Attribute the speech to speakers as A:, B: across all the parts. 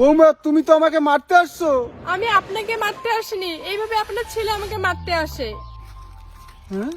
A: বৌমা তুমি তো আমাকে মারতে আসছো।
B: আমি আপনাকে মারতে আসিনি, এইভাবে আপনার ছেলে আমাকে মারতে আসে।
A: হ্যাঁ?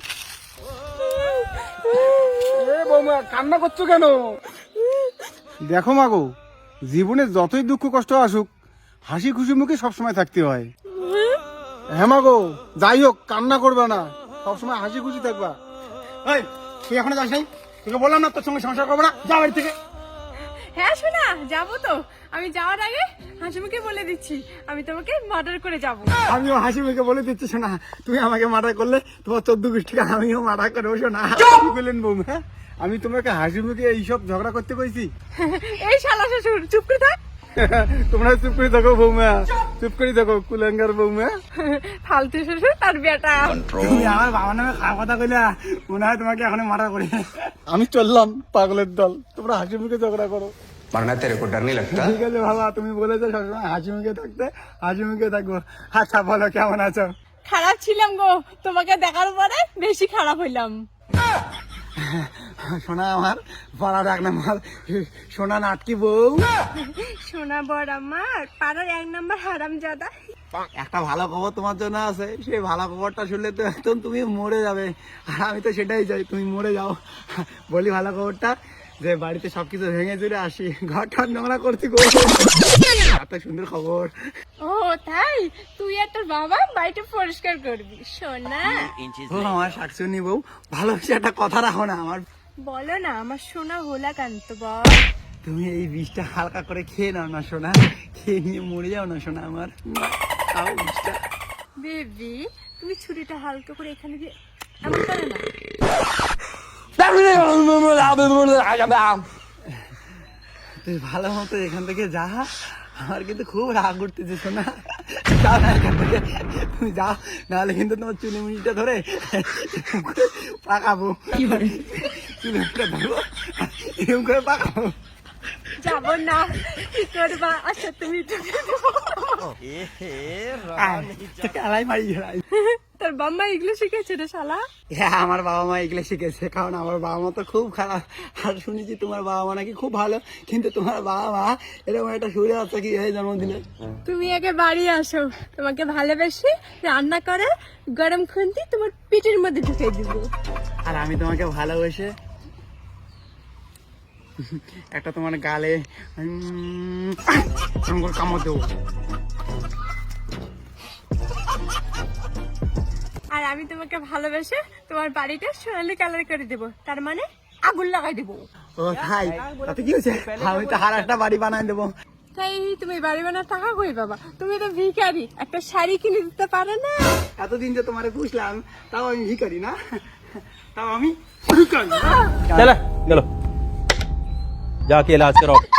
A: এ বৌমা কান্না করছো কেন? দেখো মাগো, জীবনে যতই দুঃখ কষ্ট আসুক হাসি খুশি মুখে সবসময় থাকতে হয়। হ্যাঁ মাগো, যাই হোক কান্না করবে না, সবসময় হাসি খুশি থাকবা। এই তুই এখনো যাস নাই? তোকে বললাম না তোর সঙ্গে সংসার করবো না, যা বাড়ি থেকে।
B: হ্যাঁ শোনা, যাবো তো। আমি যাওয়ার আগে হাসিমুখে বলে দিচ্ছি আমি তোমাকে মার্ডার করে যাব।
A: আমিও হাসি মুখে বলে দিচ্ছি শোনা, তুমি আমাকে মার্ডার করলে তোমার 14 গোষ্ঠীকে আমিও মার্ডার করবো শোনা। কি বললেন বৌমা? আমি তোমাকে হাসি মুখে এইসব ঝগড়া করতে কইছি?
B: এই শালা শ্বশুর, চুপ করে থাক।
A: তোমরা চুপ করে থাকো বৌমা, চুপ করে থাকো কুলাঙ্গার বৌমা।
B: ফালতু শ্বশুর তার বেটা।
A: তুমি আমার বাবার নামে খারাপ কথা কইলা, মনে হয় তোমাকে এখন মার্ডার করি। আমি চললাম পাগলের দল, তোমরা হাসি মুখে ঝগড়া করো।
C: मरना तेरे को डर नहीं लगता?
A: ঠিক আছে বাবা, তুমি বলেছো সবসময় হাসি মুখে থাকতে, হাসি মুখে থাকবো। আচ্ছা বলো কেমন আছো?
B: খারাপ ছিলাম গো, তোমাকে দেখার পরে বেশি খারাপ হইলাম।
A: সোনা আমার পাড়ার এক নাম্বার সোনা নাটকি বউ।
B: সোনা বড় আমার পাড়ার 1 নম্বর হারামজাদা।
A: একটা ভালো খবর তোমার জন্য আছে, সেই ভালো খবরটা শুনলে তো একদম তুমি মরে যাবে, আর আমি তো সেটাই চাই তুমি মরে যাও। বলি ভালো খবরটা, যে বাড়িতে সবকিছু ভেঙে চুরে আসি, ঘরটা নোংরা করছি গো। এত সুন্দর খবর।
B: ও তাই, তুই আর তোর বাবা বাড়িটা পরিষ্কার করবি সোনা।
A: ও আমার শাকচুনি বউ, ভালোবেসে একটা কথা রাখো না আমার।
B: বলো না আমার সোনা হোলা কান্ত বল।
A: তুমি এই বিষটা হালকা করে খেয়ে নাও না সোনা, খেয়ে নিয়ে মরে যাও না সোনা আমার। খাও বিষটা।
B: বেবি তুমি ছুরিটা হালকা করে এখানে দিয়ে এমন করে না।
A: তুই ভালো মতো এখান থেকে যা, আমার কিন্তু খুব রাগ উঠতেছে শোনা। যাও না এখান থেকে, তুমি যাও, নাহলে কিন্তু তোমার চুলি মুড়িটা ধরে পাকাবো। চুলি মুড়িটা ধরবো, এরকম করে পাকাবো।
B: যাবো না, কি করবা? আচ্ছা তুমি
A: আলাই মারি গেলাই।
B: তোর বাম্মা এগুলো শিখেছে রে শালা।
A: হ্যাঁ আমার বাবা মা এগুলো শিখেছে, কারণ আমার বাবা মা তো খুব খারাপ। আর শুনেছি তোমার বাবা মা নাকি খুব ভালো, কিন্তু তোমার বাবা মা এরকম একটা সুরে বাচ্চা কি জন্ম দিলে।
B: তুমি আগে বাড়ি আসো, তোমাকে ভালোবেসে রান্না করে গরম খুন্তি তোমার পেটের মধ্যে ঢুকে দিব।
A: আর আমি তোমাকে ভালোবেসে একটা তোমার গালে কামড় দেবো।
B: আর আমি তোমাকে ভালোবেসে তোমার বাড়িটা সোনালি কালার করে দেব, তার মানে আগুন লাগাই দেব।
A: ও ভাই, তাতে কি হয়েছে? আমি তো আর একটা বাড়ি বানাই দেবো।
B: তাই তুমি বাড়ি বানার টাকা কই বাবা? তুমি তো ভিখারি, একটা শাড়ি কিনে দিতে পারো না?
A: এতদিন যে তোমারে বুঝলাম, তাও আমি ভিখারি না, তাও আমি ভিখারি।
D: चलो चलो जाके इलाज कराओ।